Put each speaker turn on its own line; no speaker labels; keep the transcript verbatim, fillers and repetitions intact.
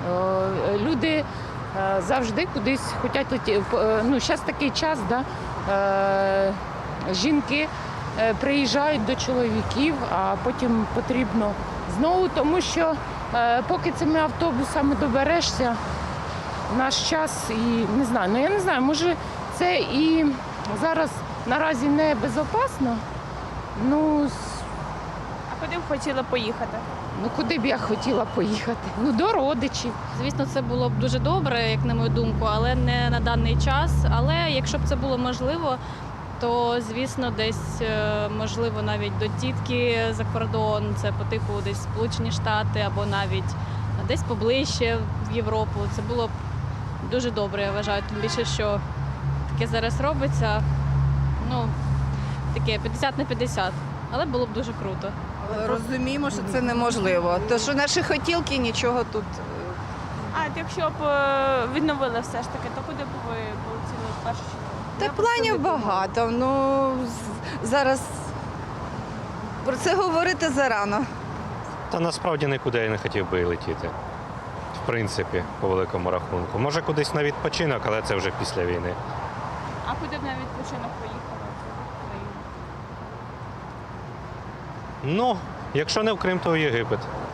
Е, Люди е, завжди кудись хочуть летіти. Ну, зараз такий час, да? е, жінки е, приїжджають до чоловіків, а потім потрібно знову, тому що е, поки цими автобусами доберешся, наш час і не знаю, ну я не знаю, може це і зараз наразі не безпечно. Ну,
А куди б хотіли поїхати?
ну куди б я хотіла поїхати? Ну, до родичів.
Звісно, це було б дуже добре, як на мою думку, але не на даний час. Але якщо б це було можливо, то звісно, десь е, можливо навіть до тітки за кордон, це по типу десь Сполучені Штати або навіть десь поближче в Європу. Це було б дуже добре, я вважаю. Тим більше, що таке зараз робиться, ну таке п'ятдесят на п'ятдесят. Але було б дуже круто.
Розуміємо, що це неможливо. То що наші хотілки нічого тут.
А от якщо б е, відновили все ж таки, то куди б ви полетіли в першу чергу?
Та планів багато. Ну з- зараз про це говорити зарано.
Та насправді нікуди я не хотів би і летіти. В принципі, по великому рахунку. Може кудись на відпочинок, але це вже після війни.
А куди б на відпочинок поїхали?
Ну, якщо не в Крим, то в Єгипет.